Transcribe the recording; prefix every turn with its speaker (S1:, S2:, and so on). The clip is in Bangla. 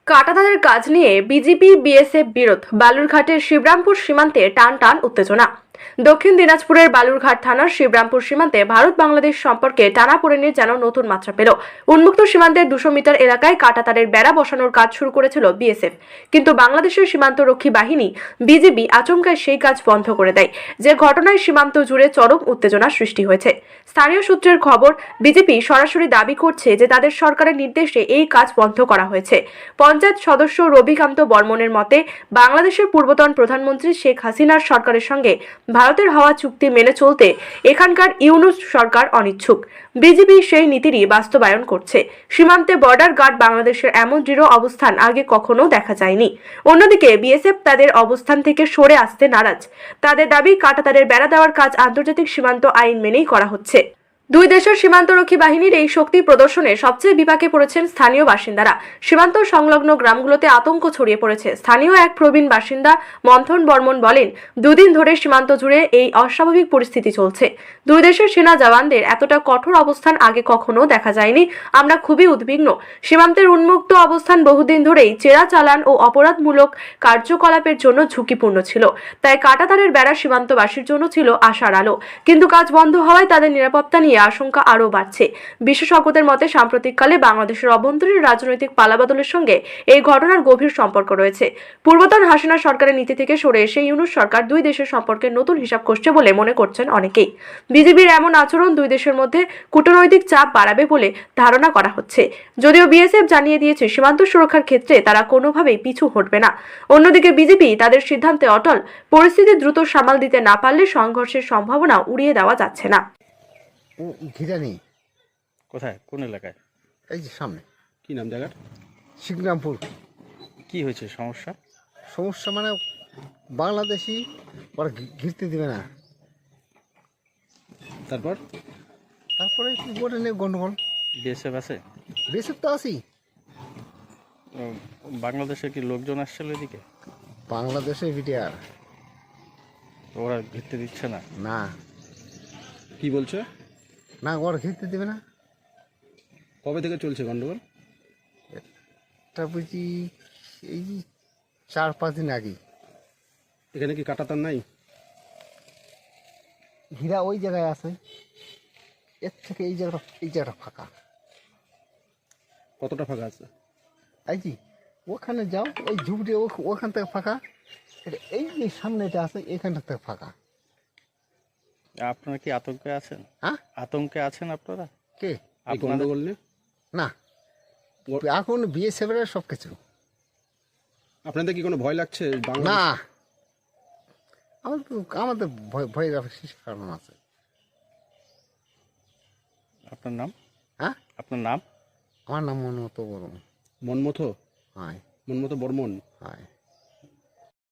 S1: কাঁটাতারের কাজ নিয়ে বিজিবি বিএসএফ বিরোধ। বালুরঘাটের শিবরামপুর সীমান্তে টান টান উত্তেজনা। দক্ষিণ দিনাজপুরের বালুরঘাট থানার শিবরামপুর সীমান্তে ভারত বাংলাদেশ সম্পর্কে টানাপোড়েনের যেন নতুন মাত্রা পেল। উন্মুক্ত সীমান্তের 200 মিটার এলাকায় কাঁটাতারের বেড়া বসানোর কাজ শুরু করেছিল বিএসএফ, কিন্তু বাংলাদেশের সীমান্তরক্ষী বাহিনী বিজিবি আচমকায় সেই কাজ বন্ধ করে দেয়, যে ঘটনায় সীমান্ত জুড়ে চরম উত্তেজনা সৃষ্টি হয়েছে। স্থানীয় সূত্রের খবর, বিজেপি সরাসরি দাবি করছে যে তাদের সরকারের নির্দেশে এই কাজ বন্ধ করা হয়েছে। পঞ্চায়েত সদস্য রবিকান্ত বর্মনের মতে, বাংলাদেশের পূর্বতন প্রধানমন্ত্রী শেখ হাসিনার সরকারের সঙ্গে ভারতের হওয়া চুক্তি মেনে চলতে এখানকার ইউনূস সরকার অনিচ্ছুক। বিজেপি সেই নীতিরই বাস্তবায়ন করছে। সীমান্তে বর্ডার গার্ড বাংলাদেশের এমন দৃঢ় অবস্থান আগে কখনো দেখা যায়নি। অন্যদিকে বিএসএফ তাদের অবস্থান থেকে সরে আসতে নারাজ। তাদের দাবি, কাঁটাতারের বেড়া দেওয়ার কাজ আন্তর্জাতিক সীমান্ত আইন মেনেই করা হচ্ছে। দুই দেশের সীমান্তরক্ষী বাহিনীর এই শক্তি প্রদর্শনে সবচেয়ে বিপাকে পড়েছেন স্থানীয় বাসিন্দারা। সীমান্ত সংলগ্ন গ্রামগুলোতে আতঙ্ক ছড়িয়ে পড়েছে। স্থানীয় এক প্রবীণ বাসিন্দা মন্থন বর্মন বলেন, দুদিন ধরে সীমান্ত জুড়ে এই অস্বাভাবিক পরিস্থিতি চলছে। দুই দেশের সেনা জওয়ানদের এতটা কঠোর অবস্থান আগে কখনো দেখা যায়নি। আমরা খুবই উদ্বিগ্ন। সীমান্তের উন্মুক্ত অবস্থান বহুদিন ধরেই চেরা চালান ও অপরাধমূলক কার্যকলাপের জন্য ঝুঁকিপূর্ণ ছিল। তাই কাঁটাতারের বেড়া সীমান্তবাসীর জন্য ছিল আশার আলো, কিন্তু কাজ বন্ধ হওয়ায় তাদের নিরাপত্তা নিয়ে আশঙ্কা আরও বাড়ছে। বিশেষজ্ঞদের মতে, সাম্প্রতিককালে বাংলাদেশের অভ্যন্তরীণ রাজনৈতিক পালাবদলের সঙ্গে এই ঘটনার গভীর সম্পর্ক রয়েছে। পূর্বতন হাসিনা সরকারের নীতি থেকে সরে এসে ইউনূস সরকার দুই দেশের সম্পর্কে নতুন হিসাব কষছে বলে মনে করছেন অনেকেই। বিজিবির এমন আচরণ দুই দেশের মধ্যে কূটনৈতিক চাপ বাড়াবে বলে ধারণা করা হচ্ছে। যদিও বিএসএফ জানিয়ে দিয়েছে, সীমান্ত সুরক্ষার ক্ষেত্রে তারা কোনোভাবেই পিছু হটবে না। অন্যদিকে বিজেপি তাদের সিদ্ধান্তে অটল। পরিস্থিতি দ্রুত সামাল দিতে না পারলে সংঘর্ষের সম্ভাবনা উড়িয়ে দেওয়া যাচ্ছে না।
S2: ঘিরা নেই।
S3: কোথায়, কোন এলাকায়?
S2: এই যে সামনে।
S3: কি নাম জায়গার?
S2: শিবরামপুর।
S3: কি হয়েছে সমস্যা?
S2: সমস্যা মানে বাংলাদেশি ওরা ঘিরতে দেবে না। তারপরে কি বলে নেই গন্ডগোল।
S3: বিএসএফ আছে?
S2: বিএসএফ তো আছি।
S3: বাংলাদেশে কি লোকজন আসছিল এদিকে?
S2: বাংলাদেশে বিটিআর
S3: ওরা ঘিরতে দিচ্ছে না?
S2: না
S3: কি বলছে?
S2: না, ওরা ঘিরতে দেবে না।
S3: কবে থেকে চলছে গন্ডগোল?
S2: এটা বুঝি এই 4-5 দিন আগে।
S3: এখানে কি কাঁটাতার নাই?
S2: ঘিরা ওই জায়গায় আছে, এর থেকে এই জায়গাটা ফাঁকা।
S3: কতটা ফাঁকা আছে?
S2: এই যে ওখানে যাও, ওই ঝুপড়ি ওখান থেকে ফাঁকা। এই যে সামনেটা আছে, এখানটা থেকে ফাঁকা।
S3: আপনারা কি আতঙ্কে আছেন?
S2: হ্যাঁ,
S3: আতঙ্কে আছেন আপনারা?
S2: কে
S3: গন্ডগোল নিয়ে?
S2: না, এখন বিএসএফ এর সব কিছু।
S3: আপনাদের কি কোনো ভয় লাগছে?
S2: না, আমাদের ভয় কারণ আছে।
S3: আপনার নাম?
S2: হ্যাঁ,
S3: আপনার নাম?
S2: আমার নাম মনমতো বর্মন।
S3: মনমতো?
S2: হয়।
S3: মনমতো বর্মন?
S2: হয়।